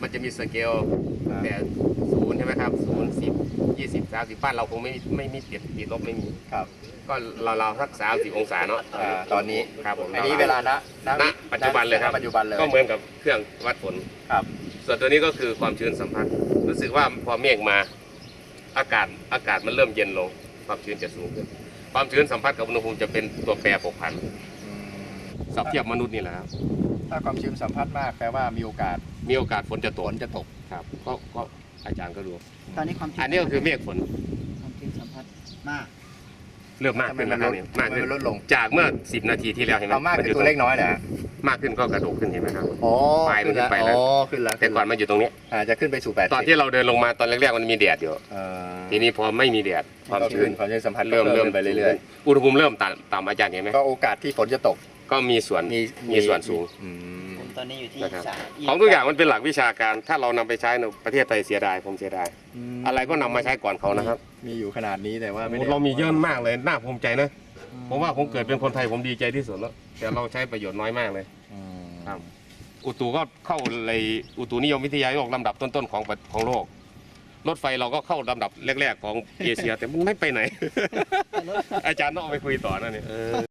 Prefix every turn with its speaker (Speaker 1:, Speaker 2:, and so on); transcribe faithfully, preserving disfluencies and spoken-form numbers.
Speaker 1: มันจะมีสเกลแต่ศูนย์ใช่ไหมครับศูนย์สิบยี่สิบสามสิบบ้านเราคงไม่ไม่มีติดติดลบไม่มี
Speaker 2: ครับ
Speaker 1: ก็เราเราสักสามสิบองศาเนาะ
Speaker 2: ตอนนี้
Speaker 1: ครับผม
Speaker 2: อันนี้เวลาณ
Speaker 1: ณปัจจุบันเลยครับ
Speaker 2: ปัจจุบันเลย
Speaker 1: ก็เหมือนกับเครื่องวัดฝน
Speaker 2: ครับ
Speaker 1: ส่วนตัวนี้ก็คือความชื้นสัมผัสรู้สึกว่าพอเมฆมาอากาศอากาศมันเริ่มเย็นลงความชื้นจะสูงขึ้นความชื้นสัมผัสกับอุณหภูมิจะเป็นตัวแปรผกผันสับเทียบมนุษย์นี่แหละครับ
Speaker 2: ถ้าความชื้นสัมผัสมากแปลว่ามีโอกาส
Speaker 1: มีโอกาสฝนจะตก
Speaker 2: ฝนจะตก
Speaker 1: ครับก็ก็อาจารย์ก็รู้
Speaker 3: ตอนนี้ความชื้น
Speaker 1: อันนี้ก็คือเมฆฝน
Speaker 3: ความชื้นสัมผัสมาก
Speaker 1: เริ่มมากขึ้นแล้วครับมากขึ้น
Speaker 2: ลดลง
Speaker 1: จากเมื่อสิบนาทีที่แล้วเห็นไหม
Speaker 2: เอามากคือตัวเล็กน้อยนะ
Speaker 1: มากขึ้นก็กระโดดขึ้นเห็นไหมครับ
Speaker 2: อ๋อ
Speaker 1: ปลายมันขึ้นไปแล้ว
Speaker 2: ขึ้นแล้ว
Speaker 1: แต่ก่อนมันอยู่ตรงนี้
Speaker 2: อ่าจะขึ้นไปสู่แปด
Speaker 1: ตอนที่เราเดินลงมาตอนแรกๆมันมีแดดอยู่ทีนี้พอไม่มีแดด
Speaker 2: ความชื้นความชื้นสัมผัส
Speaker 1: เริ่มเริ่ม
Speaker 2: ไปเรื่อย
Speaker 1: ๆอุณหภูมิเริ่มต่ำต่ำอาจารย์เห็นไหม
Speaker 2: ก็โอกาสที่ฝนจะตก
Speaker 1: ก็มีส่วนมีส่วนสูง
Speaker 3: ผมตอนนี้อยู่ที่สาม
Speaker 1: ของทุกอย่างมันเป็นหลักวิชาการถ้าเรานำไปใช้ในประเทศไทยเสียดายผมเสียดายอะไรก็นำมาใช้ก่อนเขานะครับ
Speaker 2: มีอยู่ขนาดนี้แต่ว่าไม่ได้
Speaker 1: เรามีเยอะมากเลยน่าภูมิใจนะผมว่าผมเกิดเป็นคนไทยผมดีใจที่สุดแล้วแต่เราใช้ประโยชน์น้อยมากเลยครับอุตุก็เข้าเลยอุตุนิยมวิทยาโลกลำดับต้นๆของของโลกรถไฟเราก็เข้าลำดับแรกๆของเอเชียแต่มันไม่ไปไหนอาจารย์ต้องเอาไปคุยต่อนะเนี่ย